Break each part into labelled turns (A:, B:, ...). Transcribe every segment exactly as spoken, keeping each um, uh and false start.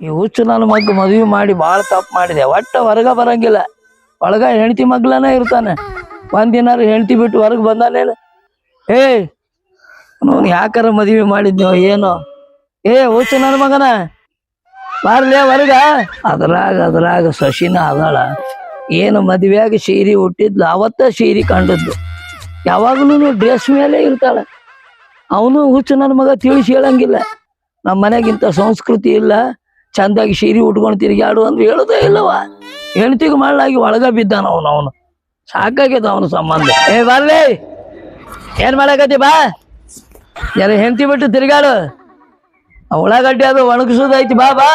A: ಈ ಹುಚ್ಚು ನನ್ನ ಮಗ ಮದುವೆ ಮಾಡಿ ಭಾಳ ತಪ್ಪು ಮಾಡಿದೆ. ಒಟ್ಟ ಹೊರಗ ಬರಂಗಿಲ್ಲ, ಒಳಗ ಹೆಂಡತಿ ಮಗ್ಲನ ಇರ್ತಾನೆ. ಒಂದಿನಾರು ಹೆಂಡತಿ ಬಿಟ್ಟು ಹೊರಗೆ ಬಂದಾನೇನು? ಏ ನೋನ್ ಯಾಕಾರ ಮದುವೆ ಮಾಡಿದ್ನೋ ಏನೋ. ಏ ಹುಚ್ಚು ನನ್ನ ಮಗನ ಬಾರ್ಲೇ ಹೊರಗ. ಅದ್ರಾಗ ಅದ್ರಾಗ ಶಶಿನ ಅದಾಳ. ಏನು ಮದುವೆಯಾಗಿ ಸೀರೆ ಹುಟ್ಟಿದ್ಲು, ಅವತ್ತ ಸೀರೆ ಕಂಡದ್ದು. ಯಾವಾಗಲೂ ಡ್ರೆಸ್ ಮೇಲೆ ಇರ್ತಾಳ. ಅವನು ಹುಚ್ಚು ನನ್ನ ಮಗ ತಿಳಿಸಿ ಹೇಳಂಗಿಲ್ಲ. ನಮ್ಮ ಮನೆಗಿಂತ ಸಂಸ್ಕೃತಿ ಇಲ್ಲ, ಚಂದಾಗಿ ಸೀರೆ ಉಟ್ಕೊಂಡು ತಿರುಗಾಡು ಅಂದ್ರೆ ಹೇಳೋದೇ ಇಲ್ಲವ. ಹೆಣ್ತಿಗೆ ಮಾಡಲಾಗಿ ಒಳಗ ಬಿದ್ದಾನ ಅವನು. ಅವನು ಸಾಕಾಗ್ಯದ ಅವನ ಸಂಬಂಧ. ಏ ಬರ್ಲಿ, ಏನ್ ಮಾಡಕತ್ತಿ ಬಾ, ಯಾರ ಹೆಂಡತಿ ಬಿಟ್ಟು ತಿರುಗಾಡು. ಉಳ್ಳಾಗಡ್ಡಿ ಅದು ಒಣಗಿಸೋದೈತಿ, ಬಾ ಬಾ.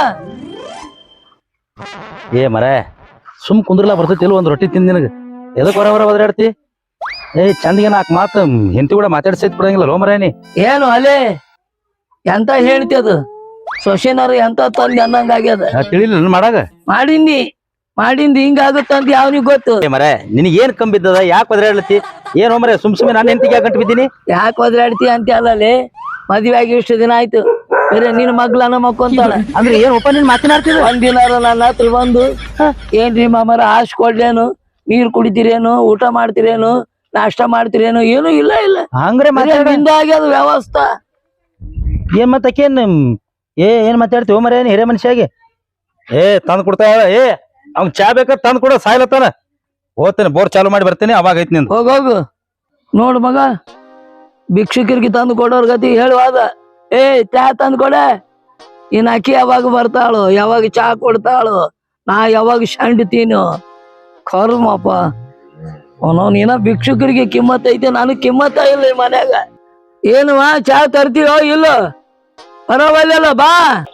B: ಏ ಮರ ಸುಮ್ ಕುಂದ್ರಲ್ಲ ಬರ್ತೈತಿ ಇಲ್ಲ, ಒಂದ್ ರೊಟ್ಟಿ ತಿಂದ ನಿನಗ ಎದಕ್ ಹೊರ ಹೊರ ಒದರಾಡ್ತಿ? ಏ ಚಂದಿಗೆ ನಾಲ್ಕು ಮಾತು ಹೆಂಡತಿ ಕೂಡ ಮಾತಾಡ್ಸೈತ್ ಬಿಡಂಗಿಲ್ಲ ಲೋ ಮರೇನಿ.
A: ಏನು ಅಲೆ ಎಂತ ಹೇಳ್ತಿ ಅದು? ಸೊಸೆನಾರು ಎಂತ ತಂದಿ ಅನ್ನಂಗ ಆಗ್ಯದ.
B: ತಿಳಿಲಿಲ್ಲ ಮಾಡಾಗ
A: ಮಾಡಿಂದಿ ಮಾಡಿಂದಿ ಹಿಂಗಾಗುತ್ತಂತ ಯಾವನಿಗೆ ಗೊತ್ತು?
B: ಏ ಮರ ನಿನಗೆ ಏನ್ ಕಂಬಿದ್ದದ? ಯಾಕೆ ಒದರಾಡ್ಲತ್ತಿ? ಏನೋ ಮರ ಸುಮ್ ಸುಮ್ಮನೆ ನಾನು ಹೆಂಡತಿಗೆ ಯಾಕೆ ಗಂಟು ಬಿದ್ದೀನಿ?
A: ಯಾಕೆ ಒದರಾಡ್ತಿ ಅಂತ ಅಲ್ಲಲ್ಲಿ, ಮದ್ವೆ ಆಗಿ ಇಷ್ಟು ದಿನ ಆಯ್ತು, ಬೇರೆ ನಿನ್ ಮಗ್ಲನ ಮಕ್ಕೊಂತಾಳ.
B: ಅಂದ್ರೆ ಏನ್ ಒಪ್ಪ ನೀನ್ ಮಾತನಾಡ್ತಿದ?
A: ಒಂದಿನಾರ ನನ್ನ ಹತ್ರ ಬಂದು ಏನ್ರಿ ಮಾಮರ ಆಶ್ ಕೊಡ್ಲೇನು, ನೀರ್ ಕುಡಿತೀರೇನು, ಊಟ ಮಾಡ್ತೀರೇನು, ನಾಷ್ಟ ಮಾಡ್ತೀರೇನು, ಏನು ಇಲ್ಲ ಇಲ್ಲ.
B: ಹಂಗ್ರೆ
A: ಆಗ್ಯದ ವ್ಯವಸ್ಥಾ.
B: ಏನ್ ಮತ್ತಕೇನ್ ಏ ಏನ್ ಮಾತಾಡ್ತೀವಿ ಮರ ಏನ್ ಹಿರೇ ಮನುಷ್ಯಾಗೆ? ಏ ತಂದ್ ಕೊಡ್ತಾ ಏ ಅವ್ನ್ ಚಾ ಬೇಕಾ ತಂದ್ ಕೊಡ, ಸಾಯ್ಲತ್ತಾನ. ಹೋಗ್ತೇನೆ ಬೋರ್ ಚಾಲು ಮಾಡಿ ಬರ್ತೇನೆ, ಅವಾಗ ಐತಿ ನಿಂದು.
A: ಹೋಗೋಗು ನೋಡು ಮಗ, ಭಿಕ್ಷುಕರಿಗೆ ತಂದು ಕೊಡೋರ್ ಗತಿ ಹೇಳುವಾದ. ಏ ಚಾ ತಂದು ಕೊಡೆ. ಇನ್ ಅಕ್ಕಿ ಯಾವಾಗ ಬರ್ತಾಳು, ಯಾವಾಗ ಚಾ ಕೊಡ್ತಾಳು, ನಾ ಯಾವಾಗ ಶಂಡ್ತೀನು? ಕರ್ಮಪ್ಪ ಅವನವ್ನ ಏನ ಭಿಕ್ಷುಕರಿಗೆ ಕಿಮ್ಮತ್ ಐತೆ, ನನಗ್ ಕಿಮ್ಮತ್ತ ಇಲ್ಲ ಈ ಮನ್ಯಾಗ. ಏನುವ ಚಾ ತರ್ತೀವೋ ಇಲ್ಲೋ? ಬರೋವಲ್ಲ ಬಾ.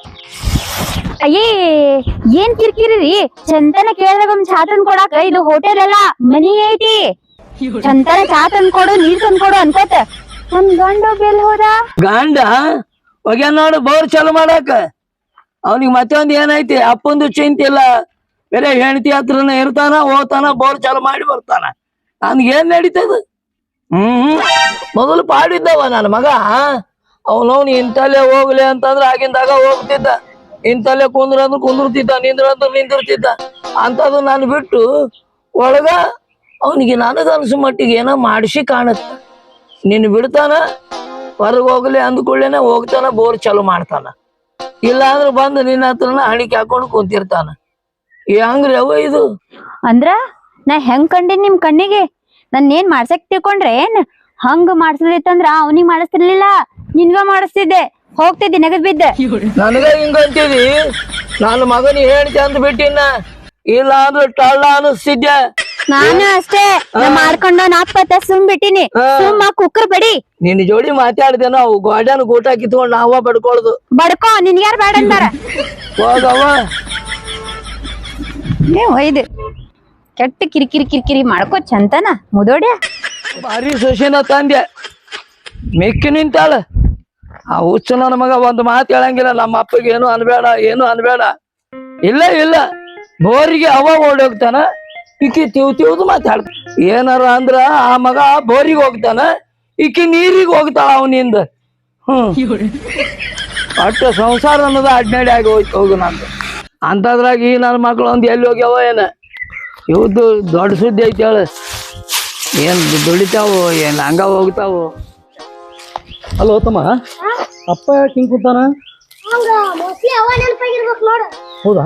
C: ಅಯ್ಯೇ ಏನ್ ಕಿರ್ಕಿರಿ ಚಂತನ ಕೇಳಿದಾಗ ಒಂದ್ ಚಾ ತಂದ್ ಕೊಡಾಕ ಇದು ಹೋಟೆಲ್ ಅಲ್ಲ, ಮನಿ ಐತಿ. ಚಂತನ ಚಾ ತಂದ್ ಕೊಡು, ನೀರ್ ತಂದ್ ಕೊಡು ಅನ್ಕೋತ ನಮ್ ಗಂಡ ಬೆಲ್ ಹೋದ.
A: ಗಂಡ ಹೋಗ್ಯ ನೋಡು ಬೋರ್ ಚಾಲು ಮಾಡಾಕ. ಅವನಿಗೆ ಮತ್ತೊಂದ್ ಏನೈತಿ, ಅಪ್ಪಂದು ಚಿಂತೆ ಇಲ್ಲ, ಬೇರೆ ಹೆಂಡತಿ ಹತ್ರನ ಇರ್ತಾನ, ಹೋಗ್ತಾನ, ಬೋರ್ ಚಾಲು ಮಾಡಿ ಬರ್ತಾನ. ನನ್ಗೆ ಏನ್ ನಡೀತದ? ಹ್ಮ್ ಮೊದಲು ಪಾಡಿದ್ದವ ನನ್ನ ಮಗ. ಅವನವ್ನು ಇಂತಲ್ಲೇ ಹೋಗ್ಲಿ ಅಂತಂದ್ರ ಆಗಿಂದಾಗ ಹೋಗ್ತಿದ್ದ, ಇಂತಲ್ಲೇ ಕುಂದ್ರ ಅಂದ್ರ ಕುಂದಿರ್ತಿದ್ದ, ನಿಂದ್ರ ಅಂದ್ರ ನಿಂದಿರ್ತಿದ್ದ. ಅಂತದು ನಾನು ಬಿಟ್ಟು ಒಳಗ ಅವನಿಗೆ ನನಗ ಅನ್ಸು ಮಟ್ಟಿಗೆ ಏನೋ ಮಾಡಿಸಿ ಕಾಣುತ್ತ. ನಿನ್ ಬಿಡ್ತಾನ, ಹೊರಗೆ ಹೋಗ್ಲಿ ಅಂದ್ಕೊಳ್ಳೇನೆ ಹೋಗ್ತಾನ, ಬೋರ್ ಚಾಲು ಮಾಡ್ತಾನ. ಇಲ್ಲ ಅಂದ್ರೆ ಬಂದು ನಿನ್ನ ಹತ್ರನ ಹಣಿಕೆ ಹಾಕೊಂಡು ಕುಂತಿರ್ತಾನ. ಹೆಂಗ್ರಿ ಅವ ಇದು?
C: ಅಂದ್ರ ನಾ ಹೆಂಗ್ ಕಂಡಿನ್ ನಿಮ್ ಕಣ್ಣಿಗೆ? ನನ್ ಏನ್ ಮಾಡ್ಸಕ್ ತಿಳ್ಕೊಂಡ್ರೆ ಏನ್? ಹಂಗ ಮಾಡ್ಸದಿತ್ತಂದ್ರ ಅವನಿಗೆ ಮಾಡಿಸ್ತಿರ್ಲಿಲ್ಲ, ನಿನ್ಗ ಮಾಡಿಸ್ತಿದ್ದೆ, ಹೋಗ್ತಿದ್ದೆ ನೆಗದ್ ಬಿದ್ದೆ.
A: ನನಗ ಹಿಂಗಂತೀವಿ, ನಾನು ಮಗನಿಗೆ ಹೇಳ್ತಿ ಅಂದ್ ಬಿಟ್ಟಿನ, ಇಲ್ಲ ಅಂದ್ರೆ ಟಳ್ಳ ಅನಿಸ್ತಿದ್ದೆ.
C: ನಾನು ಅಷ್ಟೇ ಮಾಡ್ಕೊಂಡು ನಾಲ್ಕತ್ತ ಸುಮ್ ಬಿಟ್ಟಿನಿ. ಸುಮ್ಮ ಕುಕ್ಕರ್ ಬಡಿ.
A: ನಿನ್ ಜೋಡಿ ಮಾತಾಡ್ದೆ ನಾವು ಗೋಡ್ಯಾನ ಊಟ ಕಿತ್ಕೊಂಡ್ ನಾವ ಬಡ್ಕೊಳ್ದು.
C: ಬಡ್ಕೋ, ನಿನ್ ಯಾರು ಬೇಡ ಅಂತಾರ?
A: ಹೋಗವ
C: ಒಯ್ದು ಕೆಟ್ಟ ಕಿರಿಕಿರಿ ಕಿರಿಕಿರಿ ಮಾಡ್ಕೋ ಚಂತನ ಮುದೋಡ್ಯ.
A: ಭಾರಿ ಸೊಸೆನ ತಂದೆ ಮೆಕ್ಕಿ ನಿಂತಾಳ. ಆ ಹುಚ್ಚು ನನ್ನ ಮಗ ಒಂದು ಮಾತು ಹೇಳಂಗಿಲ್ಲ, ನಮ್ಮ ಅಪ್ಪಗೆ ಏನು ಅನ್ಬೇಡ, ಏನು ಅನ್ಬೇಡ. ಇಲ್ಲ ಇಲ್ಲ, ಬೋರಿಗೆ ಅವ ಓಡೋಗ್ತಾನ, ಇಕ್ಕಿ ತಿವ್ ತಿವ್ದು ಮಾತಾಡ್ತ. ಏನಾರ ಅಂದ್ರ ಆ ಮಗ ಬೋರಿಗೆ ಹೋಗ್ತಾನ, ಇಕ್ಕಿ ನೀರಿಗೆ ಹೋಗ್ತಾಳ ಅವನಿಂದ. ಹ್ಮ್ ಅಟ್ಟ ಸಂಸಾರ ಅನ್ನೋದು ಅಡ್ನಾಡಿ ಆಗಿ ಹೋಯ್ತು ಹೋಗು ನಂದು. ಅಂತದ್ರಾಗ ಈ ನನ್ನ ಮಕ್ಳು ಒಂದ್ ಎಲ್ಲಿ ಹೋಗ್ಯಾವ ಏನ? ಇವ್ದು ದೊಡ್ಡ ಸುದ್ದಿ ಐತಿ ಹೇಳ. ಏನ್ ದುಡಿತಾವು, ಏನ್ ಹಂಗ ಹೋಗ್ತಾವು?
B: ಅಲ್ಲೋ ತಮ್ಮ, ಅಪ್ಪ ಯಾಕೆ ಹಿಂಗ್ ಕೂತಾನ? ಹೌದಾ?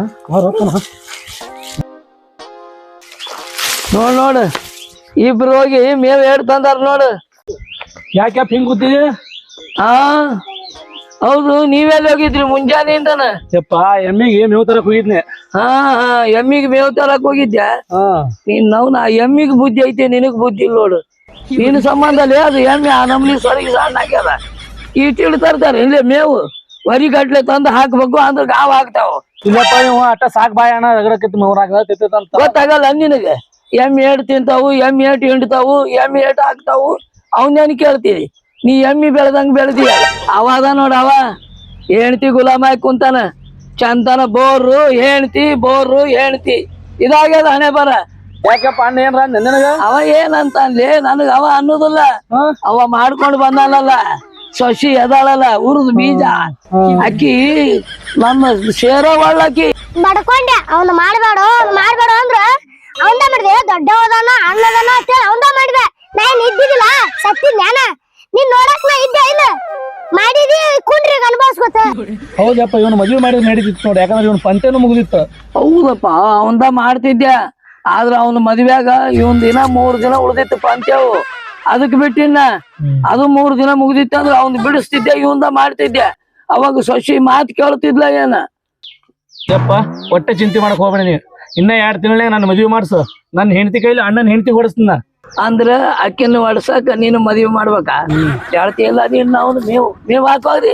A: ನೋಡ್ ನೋಡು, ಇಬ್ರು ಹೋಗಿ ಮೇವ್ ಏಡ್ ತಂದಾರ ನೋಡು.
B: ಯಾಕೆ ಹಿಂಗ್ ಕೂತಿದಿ?
A: ಹಾ ಹೌದು, ನೀವೆಲ್ಲಿ ಹೋಗಿದ್ರಿ ಮುಂಜಾನೆಯಿಂದನ?
B: ಯಪ್ಪ ಎಮ್ಮಿಗೆ ಮೇವ್ ತರಕ್ ಹೋಗಿದ್ನೆ.
A: ಹಾ ಹಾ ಎಮ್ಮಿಗೆ ಮೇವ್ ತರಕ್ ಹೋಗಿದ್ಯಾ? ನೀನ್ ನಾವು ನಾ ಎಮ್ಮಿಗೆ ಬುದ್ಧಿ ಐತೆ, ನಿನಗ್ ಬುದ್ಧಿ ಇಲ್ಲ ನೋಡು. ನಿನ್ ಸಂಬಂಧ ಅಲ್ಲೇ ಅದು ಎಮ್ಮೆ ಆ ನಮ್ನಿ ಸೊರಗಿ ಸಣ್ಣ ಆಗ್ಯಾರ. ಇಟ್ಟಿಟ್ಟು ತರ್ತಾರೆ ಇಲ್ಲೇ ಮೇವು, ವರಿ ಗಟ್ಲೆ ತಂದು ಹಾಕ್ಬೇಕು ಅಂದ್ರೆ ಗಾವ್ ಹಾಕ್ತಾವ.
B: ಇಲ್ಲಪ್ಪ ನೀವು ಅಟ್ಟ ಸಾಕ್ ಬಾಯ ಅಣ್ಣ ರಗಡಕತ್ತಿ ಮೌರಾಗ ತಿಂತ
A: ಗೊತ್ತಾಗಲ್ಲ ನಿನಗೆ. ಎಮ್ಮೆ ಏಟ್ ತಿಂತಾವು, ಎಮ್ಮೆ ಏಟ್ ಹಿಂಡ್ತಾವು, ಎಮ್ಮೆ ಏಟ್ ಹಾಕ್ತಾವು, ಅವನೇನ್ ಕೇಳ್ತೀವಿ? ನೀ ಎಮ್ಮಿ ಬೆಳೆದಂಗ ಬೆಳೆದಿ. ಅವಾದ ನೋಡ, ಅವ ಹೆಣ್ತಿ ಗುಲಾಮ ಆಗಿ ಕುಂತಾನ. ಚಂತನ ಬೋರು ಹೆಣ್ತಿ, ಬೋರು ಹೆಣ್ತಿ, ಇದಾಗ್ಯದ ಹಣೆ ಬರ.
B: ಯಾಕಪ್ಪ ಅಣ್ಣ ಏನ್ರ ನಿನಗ?
A: ಅವ ಏನಂತ ಅನ್ಲಿ, ನನಗ ಅವ ಅನ್ನೋದಿಲ್ಲ, ಅವ ಮಾಡ್ಕೊಂಡು ಬಂದಾನಲ್ಲ ಸೊಸಿ ಎದಾಳಲ್ಲ ಉರುದ್ ಬೀಜ ಅಕ್ಕಿ ನಮ್ಮ ಶೇರ ಒಳ್ಳಾಕಿ
D: ಬಡ್ಕೊಂಡೆ ಅವ್ನ ಮಾಡ್ಬೇಡ ಅವ್ನ ಮಾಡ್ಬೇಡ ಅಂದ್ರ ಅವಂದ ಮಾಡಿದೆ ದೊಡ್ಡ ಹೋದಾನ ಅಣ್ಣದಾನ ಅಂತೇಳಿ ಅವಂದ ಮಾಡಿದೆ ನಾ ಏನ್ ಇದ್ದಿದ್ದಿಲ್ಲ ಸತ್ತಿದ್ ಜ್ಞಾನ ನೀನ್ ನೋಡಕ್ ನಾ ಇದ್ದೆ ಇಲ್ಲ ಮಾಡಿದಿ ಕುಂಡ್ರಿಗೆ ಅನುಭವಿಸ್ಕೊತ
E: ಹೌದಪ್ಪ ಇವನು ಮದುವೆ ಮಾಡಿದ್ರೆ ನಡೀತಿತ್ತು ನೋಡಿ, ಯಾಕಂದ್ರೆ ಇವನು ಪಂಚನೂ ಮುಗಿದಿತ್ತು.
A: ಹೌದಪ್ಪ ಅವಂದ ಮಾಡ್ತಿದ್ದೆ, ಆದ್ರ ಅವನ ಮದ್ವ್ಯಾಗ ಇವನ್ ದಿನ ಮೂರ್ ದಿನ ಉಳ್ದಿತ್ತು ಪಂತ್ಯವು, ಅದಕ್ ಬಿಟ್ಟಿನ ಅದು ಮೂರ್ ದಿನ ಮುಗ್ದಿತ್ತು ಅಂದ್ರ ಅವ್ನ್ ಬಿಡಿಸ್ತಿದ್ದೆ, ಇವಂದ ಮಾಡ್ತಿದ್ದೆ. ಅವಾಗ ಸೊಸಿ ಮಾತ್ ಕೇಳ್ತಿದ್ಲ ಏನ.
E: ಯಪ್ಪ ಒಟ್ಟೆ ಚಿಂತೆ ಮಾಡಕ್ ಹೋಗ್ಬೇಡ ನೀವು, ಇನ್ನ ಎರಡ್ ತಿಂಗಳೇ ನನ್ನ ಮದುವೆ ಮಾಡ್ಸು, ನನ್ನ ಹೆಂಡತಿ ಕೈಲಿ ಅಣ್ಣನ ಹೆಂಡತಿ ಹೊಡಿಸ್ತೀನ.
A: ಅಂದ್ರ ಅಕ್ಕಿನ ಹೊಡ್ಸಕ ನೀನು ಮದ್ವಿ ಮಾಡ್ಬೇಕ ಹೇಳ್ತಿ ಇಲ್ಲ ನೀನ್ ಅವ್ನು ಮೇವು ಮೇವ್ ಹಾಕೋರಿ.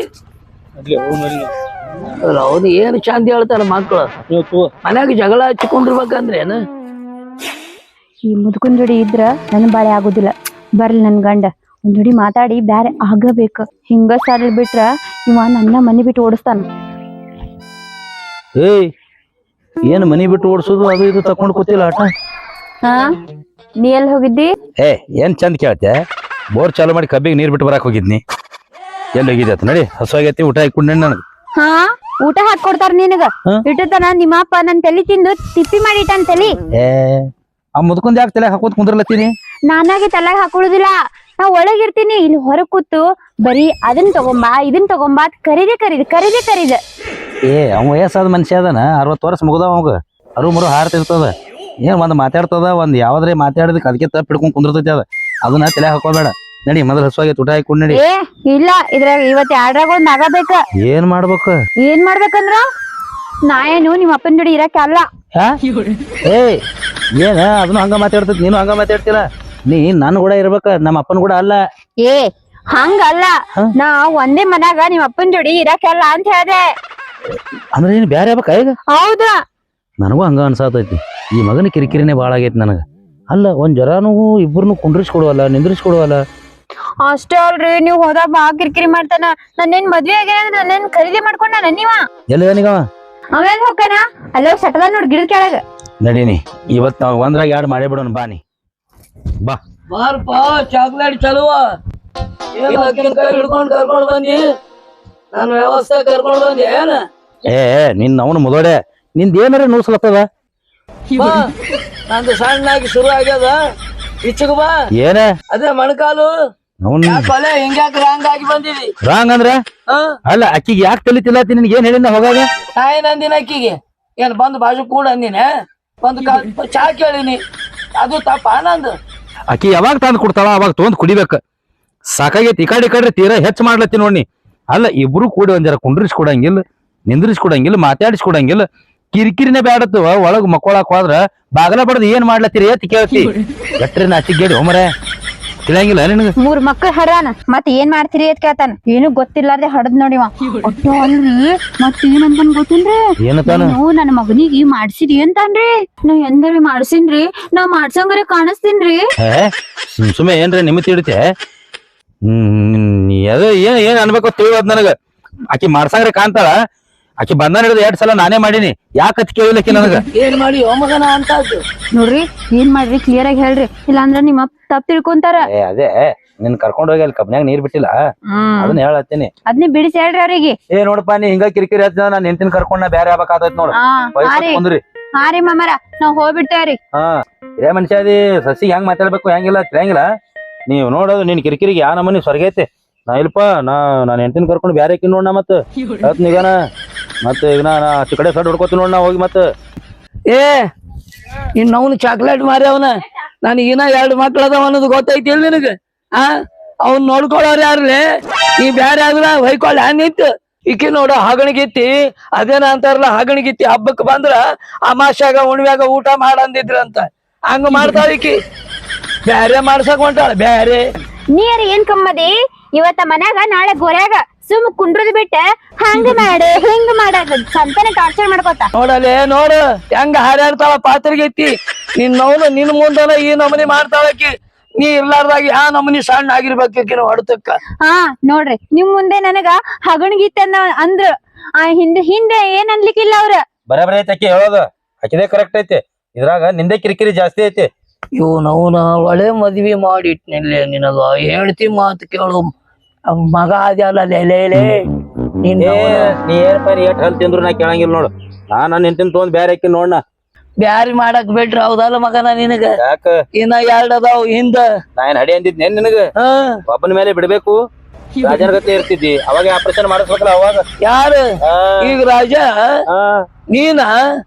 A: ಅವ್ನು ಏನ್ ಚಂದ ಹೇಳ್ತಾರ ಮಕ್ಳು, ಮನ್ಯಾಗ ಜಗಳ ಹಚ್ಕೊಂಡಿರ್ಬೇಕಂದ್ರೆ ಏನು.
C: ಈ ಮುದುಕನ್ ಜೋಡಿ ಇದ್ರ ನನ್ ಬಾಳೆ ಆಗುದಿಲ್ಲ. ಬರ್ಲಿ ನನ್ ಗಂಡ ಒಂದ್ ಜೋಡಿ ಮಾತಾಡಿ ಬ್ಯಾರೆ ಆಗಬೇಕ. ಹಿಂಗ ಸಾರ್ಲಿ ಬಿಟ್ರ ಇವ ನನ್ನ ಮನಿ ಬಿಟ್ಟು ಓಡಿಸ್ತಾನ.
B: ಏಯ್ ಏನ್ ಮನಿ ಬಿಟ್ಟು ಓಡಿಸೋದು ಅದು ಇದು ತಕೊಂಡ್ ಕೂತಿಲ್ಲ ಆಟ.
C: ಹಾ ನೀ ಎಲ್ಲಿ ಹೋಗಿದ್ದಿ?
B: ಏ ಏನ್ ಚಂದ ಕೇಳ್ತೆ, ಬೋರ್ ಚಾಲು ಮಾಡಿ ಕಬ್ಬಿಗೆ ನೀರ್ ಬಿಟ್ಟು ಬರಾಕ್ ಹೋಗಿದ್ನಿ. ಎಲ್ಲಿ ಹೋಗಿದ್ದೆ ಆತ ನಡಿ, ಹಸುವಾಗೈತಿ ಊಟ ಹಾಕೊಂಡೆ ನನಗೆ.
C: ಹಾ ಊಟ ಹಾಕೊಡ್ತಾರ ನಿನಗ ಇಟ್ಟತನ ನಿಮ್ಮ ಅಪ್ಪ ನನ್ ತಲಿ ತಿಂದು ತಿಪ್ಪಿ ಮಾಡಿಟ್ಟಾನ ತಲಿ.
B: ಏ ಆ ಮುದ್ಕೊಂಡ್ ಯಾಕೆ ತಲೆ ಹಾಕೋತ್ ಕುಂದ್ರಲತ್ತೀನಿ?
C: ನಾನಾಗೆ ತಲೆಗೆ ಹಾಕೊಳ್ಳುದಿಲ್ಲ, ನಾ ಒಳಗಿರ್ತೀನಿ, ಇಲ್ಲಿ ಹೊರಗ್ ಕೂತು ಬರೀ ಅದನ್ ತಗೊಂಬಾ ಇದನ್ ತಗೊಂಬಾ ಕರೀದೆ ಕರೀದೆ ಕರೀದೆ ಕರೀದೆ.
B: ಏ ಅವ ವಯಸ್ಸಾದ ಮನುಷ್ಯ ಅದಾನ, ಅರವತ್ತು ವರ್ಷ ಮುಗ್ದಾವ ಅವಾಗ, ಅರು ಮರು ಹಾರ್ತಿರ್ತದ. ಏನ್ ಒಂದ್ ಮಾತಾಡ್ತದ, ಒಂದ್ ಯಾವ್ದ್ರೆ ಮಾತಾಡಿದಕ್ಕೆ ಅದಕ್ಕೆ ತಪ್ಪ ಹಿಡ್ಕೊಂಡ್ ಕುಂದಿರ್ತೈತಿ ಅದ, ಅದನ್ನ ತಲೆ ಹಾಕೋಬೇಡ. ನಡಿ ಮೊದಲು ಹಸುವಾಗೈತಿ ಊಟ ಹಾಕೊಂಡ್ ನಡಿ.
C: ಏ ಇಲ್ಲ, ಇದ್ರಾಗ ಇವತ್ ಎರಡ್ರಾಗ ಒಂದ್ ಆಗಬೇಕ.
B: ಏನ್ ಮಾಡ್ಬೇಕು?
C: ಏನ್ ಮಾಡ್ಬೇಕಂದ್ರ ನಾ ಏನು ನಿಮ್ಮ ಅಪ್ಪನ ಜೋಡಿ ಇರಕ್ಕೆ ಅಲ್ಲ.
B: ಏ ಏನ ಅದನ್ನು ಹಂಗ ಮಾತಾಡ್ತೈತಿ, ನೀನು ಹಂಗ ಮಾತಾಡ್ತಿಲ್ಲ. ನೀ ನನ್ ಕೂಡ ಇರ್ಬೇಕ, ನಮ್ಮ ಅಪ್ಪನ ಕೂಡ ಅಲ್ಲ.
C: ಏ ಹಂಗಲ್ಲ, ನಾ ಒಂದೇ ಮನ್ಯಾಗ ನಿಮ್ಮ ಅಪ್ಪನ ಜೋಡಿ ಇರಕ್ಕಲ್ಲ ಅಂತ ಹೇಳ್ದೆ.
B: ಅಂದ್ರೆ ನೀನ್ ಬ್ಯಾರೆ ಆಗ್ಬೇಕ ಈಗ?
C: ಹೌದ,
B: ನನಗೂ ಹಂಗ ಅನ್ಸಾತೈತಿ. ಈ ಮಗನ ಕಿರಿಕಿರಿನೇ ಬಾಳ ಆಗೈತಿ ನನಗ. ಅಲ್ಲ ಒಂದ್ ಜರಾನು ಇಬ್ಬರನ್ನು ಕುಂಡ್ರಿಸ್ಕೊಡುವಲ್ಲ, ನಿಂದ್ರಿಸ್ಕೊಡುವಲ್ಲ.
C: ಅಷ್ಟೇ ಅಲ್ರಿ, ನೀವ್ ಹೋದಾಗ ಬಾ ಕಿರಿಕಿರಿ ಮಾಡ್ತಾನ. ನನ್ನೇನ್ ಮದ್ವೆ ಆಗ್ಯಾನ, ನನ್ನೇನ್ ಖರೀದಿ ಮಾಡ್ಕೊಂಡ ನೀವ?
B: ಎಲ್ಲನಿಗವ
C: ಆಮೇಲೆ ಹೋಗ್ತಾನ ಅಲ್ಲ ಸಟದ ನೋಡ್ ಗಿಡದ ಕೆಳಗ.
B: ನಡೀನಿ ಇವತ್ ನಾವ್ ಒಂದ್ರಾಗ ಎರಡು ಮಾಡೇ ಬಿಡೋಣ. ಬಾನಿ ಬಾ
A: ಬಾರಪ್ಪ ಚಾಕ್ಲೇಟ್ ಚಲುವ ಹಿಡ್ಕೊಂಡ್ ಕರ್ಕೊಂಡ್ ಬಂದಿ, ನಾನು ವ್ಯವಸ್ಥೆ ಕರ್ಕೊಂಡ್ ಬಂದಿ ಏನ.
B: ಏ ನಿನ್ ಅವನು ಮುದೋಡೆ, ನಿಂದ ಏನಾರ ನೂಸ್ಲತ್ತದ.
A: ಬಾ ನಂದು ಸಣ್ಣಾಗಿ ಶುರು ಆಗ್ಯದ, ಇಚ್ಚಗ ಬಾ.
B: ಏನ
A: ಅದೇ ಮೊಣಕಾಲು
B: ಅವನ್
A: ಕೊಲೆ ಹಿಂಗ್ಯಾಕ ರಾಂಗ್ ಆಗಿ ಬಂದಿದಿ.
B: ರಾಂಗ್ ಅಂದ್ರ
A: ಹ
B: ಅಲ್ಲ ಅಕ್ಕಿಗೆ ಯಾಕೆ ತಲಿತಿಲ್ಲತಿ, ನಿನ್ಗೆ ಏನ್ ಹೇಳಿನ ಹೋಗಾಗ?
A: ನಾಯಿ ನಂದಿನ ಅಕ್ಕಿಗೆ ಏನ್ ಬಂದು ಬಾಜು ಕೂಡ ಅಂದಿನ, ಒಂದು ಚಾ ಕೇಳಿನಿ, ಅದು ತಪ್ಪ ನಂದು.
B: ಅಕ್ಕಿ ಯಾವಾಗ ತಂದ್ ಕೊಡ್ತಾಳ ಅವಾಗ ತೊಗೊಂಡ್ ಕುಡಿಬೇಕ. ಸಾಕಾಗೈತಿ ಈ ಕಡೆ ಈ ಕಡೆ ತೀರಾ ಹೆಚ್ಚು ಮಾಡ್ಲತ್ತಿ ನೋಡಿ. ಅಲ್ಲ ಇಬ್ರು ಕೂಡಿ ಒಂದ್ ಜರ ಕುಂಡ್ರಿಸ್ಕೊಡಂಗಿಲ್ಲ, ನಿಂದ್ರಿಸ್ಕೊಡಂಗಿಲ್ಲ, ಮಾತಾಡಿಸ್ಕೊಡಂಗಿಲ್ಲ. ಕಿರಿಕಿರಿನೇ ಬ್ಯಾಡತ್ತವ. ಒಳಗ್ ಮಕ್ಕೊಳಕ್ ಹೋದ್ರ ಬಾಗಲ ಬಡದ್ ಏನ್ ಮಾಡ್ಲತ್ತೀರಿ ಅಂತ ಕೇಳ್ತಿ. ಗಟ್ರಿ ನಾಚಿಗೇಡಿ ಹೋಮರೆ ತಿಳಿಯಂಗಿಲ್ಲ ನಿನಗ.
C: ಮೂರ್ ಮಕ್ಳು ಹಡಾನ ಮತ್ ಏನ್ ಮಾಡ್ತೀರಿ ಅಂತ ಕೇಳ್ತಾನ. ಏನು ಗೊತ್ತಿಲ್ಲಾರ್ದೆ ಹಡದ್ ನೋಡಿವ. ಒಟ್ಟು ಅಲ್ರಿ ಮತ್ ಏನಂತನ್ ಗೊತ್ತಿಲ್ರಿ,
B: ಏನತಾನ?
C: ನೀವು ನನ್ನ ಮಗನಿಗೆ ಮಾಡ್ಸಿರಿ ಅಂತಾನ್ರಿ. ನಾ ಎಂದ್ರಿ ಮಾಡ್ಸಿನ್ರಿ, ನಾ ಮಾಡ್ಸಂಗಾರೆ ಕಾಣಿಸ್ತೀನ್ರಿ.
B: ಸುಮ್ಮನೆ ಏನ್ರಿ ನಿಮ್ಮತಿ ಇಡತೆ. ಹ್ಮ್ ಅದ ಏನ್ ಏನ್ ಅನ್ಬೇಕು ತಿಳಿಯೋದ್ ನನಗ. ಆಕಿ ಮಾಡ್ಸಂಗ್ರೆ ಕಾಣ್ತಾಳ. ಆಕಿ ಬಂದ ಹಿಡಿದು ಎರಡ್ ಸಲ ನಾನೇ ಮಾಡೀನಿ, ಯಾಕತ್ ಕೇಳಿಲ್ಲಕಿ ನನಗ.
A: ಏನ್ ಮಾಡಿ ಮಗನ ಅಂತ
C: ನೋಡ್ರಿ ಏನ್ ಮಾಡ್ರಿ ಕ್ಲಿಯರ್ ಆಗಿ ಹೇಳ್ರಿ, ಇಲ್ಲಾಂದ್ರ ನಿಮ್ಮ ತಪ್ಪ ತಿಳ್ಕೊಂತಾರ.
B: ಏ ಅದೇ ನಿನ್ ಕರ್ಕೊಂಡ್ ಹೋಗಿ ಅಲ್ಲಿ ಕಬ್ನ್ಯಾಗ ನೀರ್ ಬಿಟ್ಟಿಲ್ಲ, ಅದನ್ನ ಹೇಳತ್ತೀನಿ.
C: ಅದ್ನೇ ಬಿಡಿಸಿ ಹೇಳ್ರಿ ಅವ್ರಿಗೆ.
B: ಏ ನೋಡಪ್ಪ ನೀ ಹಿಂಗ ಕಿರಿಕಿರಿ ಹಚ್ಚ, ನಾನ್ ಹೆಂಡತಿನ ಕರ್ಕೊಂಡ್ ಬೇರೆ ಆಗ್ಬೇಕಾದತ್ ನೋಡ್ರಿ.
C: ಹಾ ರೀ ಮಾಮರ ನಾವ್ ಹೋಗ್ಬಿಡ್ತೇವ್ರಿ.
B: ಹಾ ಇದೇ ಮನುಷ್ಯ ಅದಿ, ಸಸಿ ಹೆಂಗ್ ಮಾತಾಡ್ಬೇಕು ಹೆಂಗಿಲ್ಲ ತಿಳಿಯಂಗಿಲ್ಲ. ನೀವ್ ನೋಡೋದು ನಿನ್ ಕಿರಿಕಿರಿಗೆ ಯಾ ನಮ್ಮನಿ ಸ್ವರ್ಗೈತೆ. ನಾ ಇಲ್ಪ ನಾ ನಾನ್ ಹೆಂಡತಿನ ಕರ್ಕೊಂಡು ಬ್ಯಾರೆ ಆಕಿ ನೋಡ್, ಮತ್ ಹೇಳ್ತ ನಿಗಾನ ಮತ್ ಈಗ ನಾ ಆಚೆ ಕಡೆ ಸಡ್ ಹೊಡ್ಕೋತೀನಿ ನೋಡ್ ನಾ ಹೋಗಿ. ಮತ್
A: ಏ ಇನ್ ಅವ್ನು ಚಾಕ್ಲೇಟ್ ಮಾರಿ ಅವನ, ನನಗೆ ಇನ್ನ ಎರಡು ಮಕ್ಳು ಅದಾವ ಅನ್ನೋದು ಗೊತ್ತೈತಿ ಇಲ್ಲ ನಿನಗ? ಆ ಅವ್ನ್ ನೋಡ್ಕೊಳ್ಳೋರ್ ಯಾರ್ಲೆ? ಈ ಬ್ಯಾರೆ ಆದ್ರ ಹೊಯ್ಕೊಳ್ಳ ನಿಂತು ಈಕಿ ನೋಡು ಹಗಣಿಗಿತ್ತಿ. ಅದೇನ ಅಂತಾರಲ್ಲ ಹಗಣಿಗಿತ್ತಿ, ಹಬ್ಬಕ್ ಬಂದ್ರ ಅಮಾಶ್ಯಾಗ ಉಣ್ವ್ಯಾಗ ಊಟ ಮಾಡಂದಿದ್ರಂತ, ಹಂಗ ಮಾಡ್ತಾಳ ಈಕಿ. ಬ್ಯಾರೆ ಮಾಡ್ಸಕ್ ಹೊಂಟಾಳ ಬ್ಯಾರೆ.
C: ನೀರ್ ಏನ್ ಕಮ್ಮದಿ ಇವತ್ತ ಮನ್ಯಾಗ ನಾಳೆ ಗೋರ್ಯಾಗ ಸುಮ್ ಕುಂಡ್ರದ್ ಬಿಟ್ಟ ಹಂಗ ಮಾಡ ಹಿಂಗ ಮಾಡ ಸಂತಾನೆ ಟಾರ್ಚರ್ ಮಾಡ್ಕೋತ.
A: ನೋಡಲೆ ನೋಡು ಹೆಂಗ ಹಾರಾಡ್ತಾಳ ಪಾತ್ರಿಗೈತಿ. ನಿನ್ ನೋವು ನಿನ್ ಮುಂದನ ಈ ನಮನಿ ಮಾಡ್ತಾಳಕಿ. ನೀ ಇರ್ಲಾರ್ದಾಗ ಯಾ ನಮನಿ ಸಣ್ಣ ಆಗಿರ್ಬೇಕಿನ ಹೊಡ್ತಕ್ಕ.
C: ಹಾ ನೋಡ್ರಿ ನಿಮ್ ಮುಂದೆ ನನಗ ಹಗಣಗಿತ್ತ ಅಂದ್ರ ಆ ಹಿಂದೆ ಹಿಂದೆ ಏನ್ ಅನ್ಲಿಕ್ಕಿಲ್ಲ ಅವ್ರ.
B: ಬರೇ ಬರೇ ಐತಿ ಅಕ್ಕಿ ಹೇಳೋದು, ಅಕ್ಕಿದೇ ಕರೆಕ್ಟ್ ಐತಿ. ಇದ್ರಾಗ ನಿಂದೆ ಕಿರಿಕಿರಿ ಜಾಸ್ತಿ ಐತಿ.
A: ಇವ್ ನವ್ನ ಒಳ್ಳೆ ಮದ್ವಿ ಮಾಡಿಟ್ನಿಲ್ಲ ನಿನಗ. ಹೇಳ್ತಿ ಮಾತು ಕೇಳು, ಅವ್ನ್ ಮಗ ಅದಲ್ಲ ಲೇಲೇ ನೀನ್
B: ಏ ನೀ ಏನಪ್ಪ ನೀ ಎಷ್ಟ್ ಹಲ್ ತಿಂದ್ರು ನಾ ಕೇಳಂಗಿಲ್ಲ ನೋಡು ನಾ ನನ್ನ ಹೆಂಡತಿನ ತೊಗೊಂಡ್ ಬ್ಯಾರೆ ಹಾಕಿ ನೋಡ್ನ
A: ಬ್ಯಾರಿ ಮಾಡಕ್ ಬಿಟ್ರ ಹೌದಲ್ಲ ಮಗನ ನಿನಗ
B: ಯಾಕ
A: ಇನ್ನ ಎರಡ್ ಅದಾವ್ ಹಿಂದ
B: ನಾ ಏನ್ ಹಡಿ ಅಂದಿದ್ನೆ ನಿನಗ
A: ಹ
B: ಒಬ್ಬನ ಮೇಲೆ ಬಿಡ್ಬೇಕು ರಾಜನ ಗತಿ ಇರ್ತಿದ್ದಿ ಅವಾಗ ಆಪರೇಷನ್ ಮಾಡಿಸ್ಬೇಕಲ್ಲ ಅವಾಗ
A: ಯಾರು
B: ಆ,
A: ಈಗ ರಾಜ
B: ಆ,
A: ನೀನ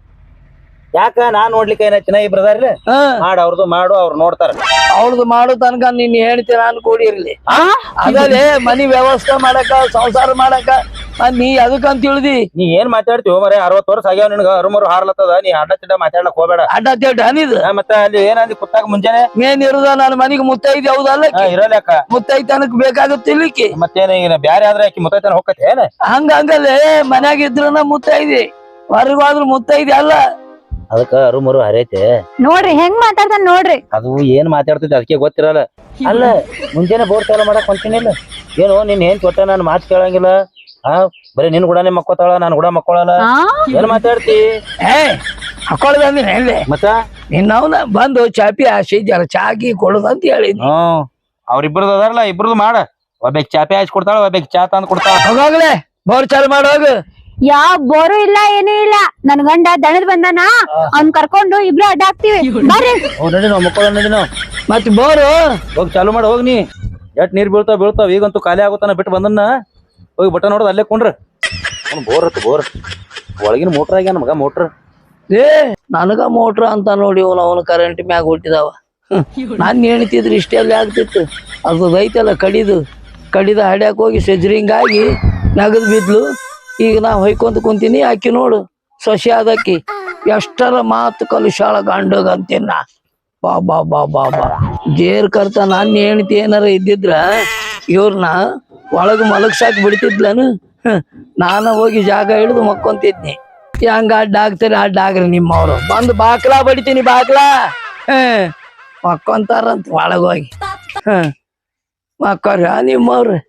B: ಯಾಕ ನಾನ್ ನೋಡ್ಲಿಕ್ಕೆ ಏನೈತಿನ ಇಬ್ರದಾರ್ಲಿ
A: ಹ
B: ಮಾಡ ಅವ್ರದ್ದು ಮಾಡು ಅವ್ರು ನೋಡ್ತಾರ
A: ಅವ್ರದ್ದು ಮಾಡೋ ತನಕ ನೀನ್ ಹೇಳ್ತಿ ನಾನು ಕೂಡಿರ್ಲಿ ಅದಲ್ಲೇ ಮನಿ ವ್ಯವಸ್ಥೆ ಮಾಡಕ ಸಂಸಾರ ಮಾಡಕ ಮತ್ ನೀ ಅದಕ್ಕಂತ ತಿಳಿದಿ
B: ನೀ ಏನ್ ಮಾತಾಡ್ತೀವೋ ಮರೆ ಅರವತ್ ವರ್ಷ ಆಗ್ಯಾವ ನಿನಗ ಅರುಮರು ಹಾರ್ಲತ್ತದ ನೀ ಅಡ್ಡ ಚಿಡ್ಡ ಮಾತಾಡ್ಲಕ್ ಹೋಗ್ಬೇಡ
A: ಅಡ್ಡ ತಿಡ್ಡ ಅನಿದು
B: ಆ, ಮತ್ತ ಅಲ್ಲಿ ಏನಂದಿ ಕುತ್ತಾಗ ಮುಂಜಾನೆ
A: ಮೇನ್ ಇರುದ ನನ್ನ ಮನಿಗೆ ಮುತ್ತೈದಿ ಹೌದಲ್ಲ
B: ಆ, ಇರಲ್ಯಾಕ
A: ಮುತ್ತೈತನಕ್ ಬೇಕಾಗುತ್ತಿಲ್ಲಿಕ್ಕೆ
B: ಮತ್ತೇನ ಈಗ ಬ್ಯಾರೆ ಆದ್ರೆ ಆಕಿ ಮುತ್ತೈತನ ಹೋಗತ್ತೆ ಏನ
A: ಹಂಗ ಹಂಗಲ್ಲೇ ಮನ್ಯಾಗ ಇದ್ರನ ಮುತ್ತೈದಿ ಹೊರಗಾದ್ರು ಮುತ್ತೈದಿ ಅಲ್ಲ
B: ಅದಕ್ಕ ಅರುಮರು ಹರೈತೆ
C: ನೋಡ್ರಿ ಹೆಂಗ್ ಮಾತಾಡ್ತಾನ ನೋಡ್ರಿ
B: ಅದು ಏನ್ ಮಾತಾಡ್ತಿದ್ದೆ ಅದಕ್ಕೆ ಗೊತ್ತಿರಲ್ಲ ಅಲ್ಲ ಮುಂಜಾನೆ ಬೋರ್ ಚಾಲು ಮಾಡಕ್ ಹೊಂಟಿನಿಲ್ಲ ಏನು ನಿನ್ ಏನ್ ಕೊಟ್ಟ ನಾನು ಮಾತು ಕೇಳಂಗಿಲ್ಲ ಆ ಬರೀ ನಿನ್ ಕೂಡನೇ ಮಕ್ಕೋತಾಳ ನಾನ್ ಕೂಡ ಮಕ್ಕೊಳಲ್ಲ
C: ಆ
B: ಏನ್ ಮಾತಾಡ್ತಿ
A: ಏ ಹಾಕೊಳ್ದ ಅಂದ್ರೆ ಎಲ್ಲಿ
B: ಮತ್ತ
A: ನಿನ್ನವನ ಬಂದು ಚಾಪಿ ಆಶಿ ಜರ ಚಾಕಿ ಕೊಡುದಂತ ಹೇಳಿದ್ನಿ
B: ಹ್ಮ್ ಅವ್ರಿಬ್ರದ್ದು ಅದಾರಲ್ಲ ಇಬ್ರದ್ದು ಮಾಡ ಒಬ್ಬಕ್ ಚಾಪೆ ಹಚ್ಚಿ ಕೊಡ್ತಾಳ ಒಬ್ಬಕ್ ಚಾ ತಂದ್ ಕೊಡ್ತಾಳ
A: ಹೋಗಾಗ್ಲೆ ಬೋರ್ ಚಾಲು ಮಾಡೋಗ
C: ಯಾವ ಬೋರು ಇಲ್ಲ ಏನೂ ಇಲ್ಲ ನನ್ ಗಂಡ ದಣದ್ ಬಂದಾನ ಅವ್ನ್ ಕರ್ಕೊಂಡು ಇಬ್ರು ಅಡ್ಡ ಹಾಕ್ತಿವಿ ಬರ್ರಿ
B: ಹೋಗ್ ನಡಿ ನಾವ್ ಮಕ್ಕಳ ನಡಿ ನಾವ್
A: ಮತ್ ಬೋರು
B: ಹೋಗಿ ಚಾಲು ಮಾಡಿ ಹೋಗ್ ನೀ ಎಷ್ಟ್ ನೀರ್ ಬೀಳ್ತಾವ ಬೀಳ್ತಾವ ಈಗಂತೂ ಖಾಲಿ ಆಗುತ್ತಾನ ಬಿಟ್ಟು ಬಂದನ್ನ ಹೋಗಿ ಬಟ್ಟ ನೋಡೋದು ಅಲ್ಲೇ ಕೊಂಡ್ರ ಅವ್ನು ಬೋರ್ ಹತ್ತು ಬೋರ್ ಒಳಗಿನ ಮೋಟ್ರ್ ಆಗ್ಯಾನ ಮಗ ಮೋಟ್ರ್
A: ಏ ನನಗ ಮೋಟ್ರ ಅಂತ ನೋಡಿ ಅವನು ಅವನು ಕರೆಂಟ್ ಮ್ಯಾಗ ಹುಟ್ಟಿದಾವ ನಾನ್ ಹೇಳ್ತಿದ್ರು ಇಷ್ಟೆಲ್ಲ ಆಗ್ತಿತ್ತು ಅದು ಐತಲ್ಲ ಕಡಿದು ಕಡಿದ ಹಡ್ಯಾಕ್ ಹೋಗಿ ಸೆಜ್ರಿಂಗಾಗಿ ನಗದ್ ಬಿದ್ಲು ಈಗ ನಾ ಹೊಯ್ಕೊಂತ ಕುಂತೀನಿ ಆಕಿ ನೋಡು ಸೊಸೆ ಆದಕ್ಕಿ ಎಷ್ಟರ ಮಾತು ಕಲುಷಾಳ ಗಂಡಗ ಅಂತೀನ ಬಾ ಬಾ ಬಾ ಬಾ ಬಾ ಜೇರ್ ಕರ್ತ ನಾನ್ ಹೆಣ್ತಿ ಏನಾರ ಇದ್ದಿದ್ರ ಇವ್ರನ್ನ ಒಳಗ ಮಲಗ್ಸಾಕ್ ಬಿಡ್ತಿದ್ಲನು ಹ್ಮ್. ನಾನ ಹೋಗಿ ಜಾಗ ಹಿಡಿದು ಮಕ್ಕೊಂತಿದ್ನಿ ಹೆಂಗ ಅಡ್ಡ ಆಗ್ತಾರೆ ಅಡ್ಡ ಆಗ್ರಿ ನಿಮ್ಮವ್ರು ಬಂದು ಬಾಕ್ಲಾ ಬಡಿತೀನಿ ಬಾಕ್ಲಾ ಹ್ಮ್ ಮಕ್ಕೊಂತಾರಂತ ಒಳಗೋಗಿ ಹ್ಮ್ ಮಕ್ಕೋರ ನಿಮ್ಮವ್ರು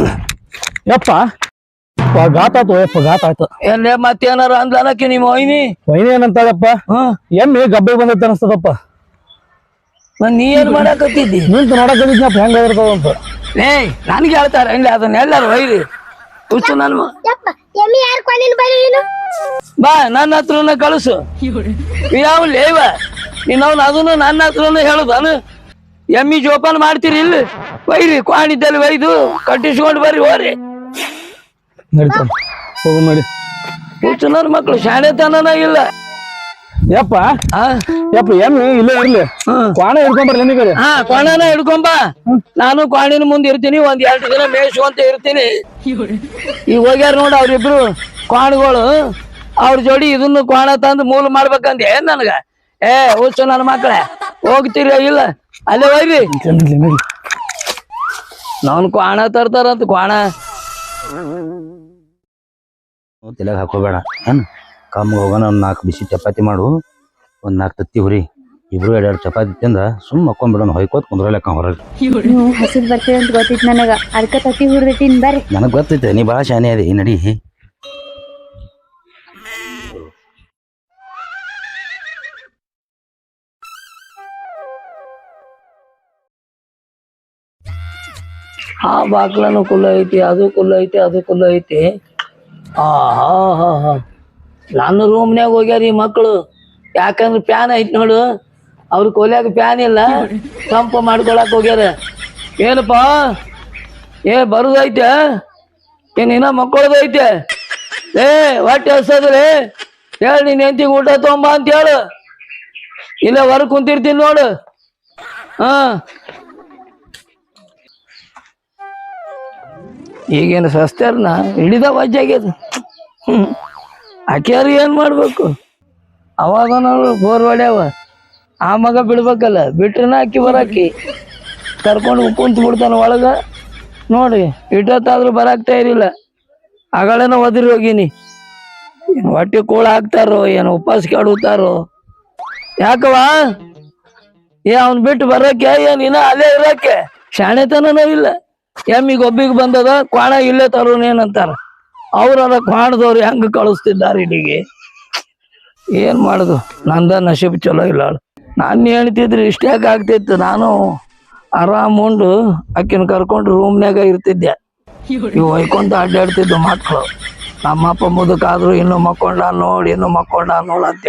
E: ಯಪ್ಪ ಘಾತ ಆಯ್ತು ಯಪ್ಪ ಘಾತ ಆಯ್ತು
A: ಎಲ್ಲೇ ಮತ್ತೇನಾರ ಅಂದ್ಲನಕ್ಕೆ ನಿಮ್ಮ ಒಯ್ನಿ
E: ವೈನಿ ಏನಂತಾಳಪ್ಪ
A: ಹ್ಮ್
E: ಎಮ್ಮೆ ಗಬ್ಬೆ ಬಂದೈತೆ ಅನಸ್ತದಪ್ಪ
A: ಮತ್ ನೀ ಏನ್ ಮಾಡಾಕತ್ತಿದ್ದಿ
E: ನಿಂತು ನೋಡಕದಿದ್ನಪ್ಪ ಹೆಂಗ ಇರ್ತಾವ ಅಂತ
A: ಏಯ್ ನನ್ಗೆ ಹೇಳ್ತಾರ ಹಂಗೆ ಅದನ್ನ ಎಲ್ಲಾರು ಒಯ್ರಿ ಹುಚ್ಚು ನನ್ ಮ-
D: ಯಪ್ಪ ಎಮ್ಮಿ ಯಾರು ಕೊಂಡಿನ ಬರೀ ನೀನು
A: ಬಾ ನನ್ನ ಹತ್ರನ ಕಳಿಸು ಯಾವ ಲೇವ ನೀನವ್ನ ಅದನ್ನು ನನ್ನ ಹತ್ರನ ಹೇಳುದಾನು ಎಮ್ಮಿ ಜೋಪಾನ ಮಾಡ್ತೀರಿ ಇಲ್ಲಿ ಒಯ್ರಿ ಕ್ವಾಣಿದ್ದಲ್ಲಿ ಒಯ್ದು ಕಟ್ಟಿಸ್ಕೊಂಡು ಬರ್ರಿ ಹೋರಿ
E: ನಡೀತಾವ ಹೋಗು ಮಾಡಿ
A: ಹುಚ್ಚು ನನ್ನ ಮಕ್ಳು ಶಾಣೆತನನ ಇಲ್ಲ
E: ಯಪ್ಪ
A: ಆ
E: ಯಪ್ಪ ಎಮ್ಮೆ ಇಲ್ಲೇ ಇರ್ಲಿ
A: ಹ್ಮ್.
E: ಕ್ವಾಣ ಹಿಡ್ಕೊಂಬರ್ಲಿ ನಿಮಗೆ
A: ಹಾ ಕ್ವಾಣನ ಹಿಡ್ಕೊಂಬ ನಾನು ಕ್ವಾಣಿನ ಮುಂದೆ ಇರ್ತೀನಿ ಒಂದ್ ಎರಡು ದಿನ ಮೇಯಿಸುವಂತ ಇರ್ತೀನಿ ಈಗ ಹೋಗ್ಯಾರ ನೋಡ ಅವ್ರಿಬ್ರು ಕ್ವಾಣಗಳು ಅವ್ರ ಜೋಡಿ ಇದನ್ನು ಕ್ವಾಣ ತಂದು ಮೂಲ ಮಾಡ್ಬೇಕಂದ ಏನ್ ನನಗ ಏ ಹುಚ್ಚು ನನ್ನ ಮಕ್ಳೇ ಹೋಗ್ತೀರ ಇಲ್ಲ ಅಲ್ಲೇ ಹೋಗ್ರಿ ನಾನ್ ಕ್ವಾಣ ತರ್ತಾರಂತ ಕ್ವಾಣ
B: ತಲೆಗೆ ಹಾಕೋಬೇಡ ಏನ್ ಕಮ್ಮ ಹೋಗೋಣ ಒಂದ್ ನಾಲ್ಕು ಬಿಸಿ ಚಪಾತಿ ಮಾಡು ಒಂದ್ ನಾಲ್ಕು ತತ್ತಿ ಹುರಿ ಇಬ್ರು ಎರಡೆರಡು ಚಪಾತಿ ತಿಂದ ಸುಮ್ ಮಕ್ಕೊಂಡ್ಬಿಡೋಣ ಹೊಯ್ಕೋತ್ ಕುಂದ್ರಲೆಕ್ಕ ಹೊರಗೆ
C: ನೀವು ಹಸಿದ್ ಬರ್ತೀವಿ ಅಂತ ಗೊತ್ತಿತ್ತು ನನಗ ಅದಕ್ಕ ತತ್ತಿ ಹುರ್ದಿಟ್ಟಿನ್ ಬರ್ರಿ
B: ನನಗ್ ಗೊತ್ತೈತೆ ನೀ ಭಾಳ ಶಾನೆ ಅದಿ ನಡಿ
A: ಆ ಬಾಕ್ಲನು ಕುಲ್ಲ ಐತಿ ಅದು ಕುಲ್ಲ ಐತಿ ಅದು ಕುಲ್ಲ ಐತಿ ಆ ಹಾ ಹಾ ಹಾ ನನ್ನ ರೂಮ್ನ್ಯಾಗ ಹೋಗ್ಯಾರ ಈ ಮಕ್ಕಳು ಯಾಕಂದ್ರೆ ಪ್ಯಾನ್ ಐತಿ ನೋಡು ಅವ್ರ ಕೊಲ್ಯಾಗ ಪ್ಯಾನ್ ಇಲ್ಲ ತಂಪು ಮಾಡ್ಕೊಳಕ್ ಹೋಗ್ಯಾರ ಏನಪ್ಪ ಏ ಬರುದೈತೆ ಏನ್ ಇನ್ನ ಮಕ್ಕಳದೈತೆ ಏ ಹೊಟ್ಟೆ ಹಸದ್ರಿ ಹೇಳಿ ನೀನ್ ಹೆಂಡತಿಗೆ ಊಟ ತೊಂಬ ಅಂತ ಹೇಳು ಇಲ್ಲ ಹೊರಗ್ ಕುಂತಿರ್ತೀನಿ ನೋಡು ಹಾ ಈಗೇನು ಸಸ್ತಾರನ ಹಿಡಿದ ವಜ್ಜಾಗ್ಯದ ಹ್ಮ್ ಆಕ್ಯಾರು ಏನ್ ಮಾಡ್ಬೇಕು ಅವಾಗ ನಾವು ಬೋರ್ ಹೊಡ್ಯಾವ ಆ ಮಗ ಬಿಡ್ಬೇಕಲ್ಲ ಬಿಟ್ರನ ಅಕ್ಕಿ ಬರಾಕಿ ಕರ್ಕೊಂಡು ಕುಂತ ಬಿಡ್ತಾನ ಒಳಗ ನೋಡಿ ಇಟ್ಟೊತ್ತಾದ್ರೂ ಬರಾಕ್ತಾ ಇರಿಲ್ಲ ಆಗಳೇನ ಒದರಿ ಹೋಗಿನಿ ಏನ್ ಹೊಟ್ಟೆ ಕೂಳ ಹಾಕ್ತಾರೋ ಏನು ಉಪವಾಸ ಕೆಡುತ್ತಾರೋ ಯಾಕವ ಏ ಅವ್ನ್ ಬಿಟ್ಟು ಬರಕ್ಕೆ ಏನ್ ಇನ್ನ ಅಲ್ಲೇ ಇರಕ್ಕೆ ಶಾಣೆತನನೂ ಇಲ್ಲ ಎಮ್ಮಿಗೆ ಒಬ್ಬಿಗೆ ಬಂದದ ಕ್ವಾಣ ಇಲ್ಲೇ ತರೋನೇನಂತಾರ ಅವ್ರಲ್ಲ ಕ್ವಾಣದವ್ರು ಹೆಂಗ ಕಳಿಸ್ತಿದ್ದಾರೆ ಇಲ್ಲಿಗೆ ಏನ್ ಮಾಡುದು ನಂದ ನಶೀಬ್ ಚಲೋ ಇಲ್ಲ ನಾನು ಹೇಳ್ತಿದ್ರೆ ಇಷ್ಟ್ಯಾಕೆ ಆಗ್ತಿತ್ತು ನಾನು ಆರಾಮ್ ಉಂಡು ಆಕಿನ ಕರ್ಕೊಂಡು ರೂಮ್ನ್ಯಾಗ ಇರ್ತಿದ್ದೆ ಇವು ಹೊಯ್ಕೊಂತ ಅಡ್ಡಾಡ್ತಿದ್ದು ಮಕ್ಕಳು. ನಮ್ಮಪ್ಪ ಮುದುಕಾದ್ರು ಇನ್ನು ಮಕ್ಕೊಂಡ ನೋಡಿ ಇನ್ನು ಮಕ್ಕೊಂಡ ನೋಡ್ ಅಂತ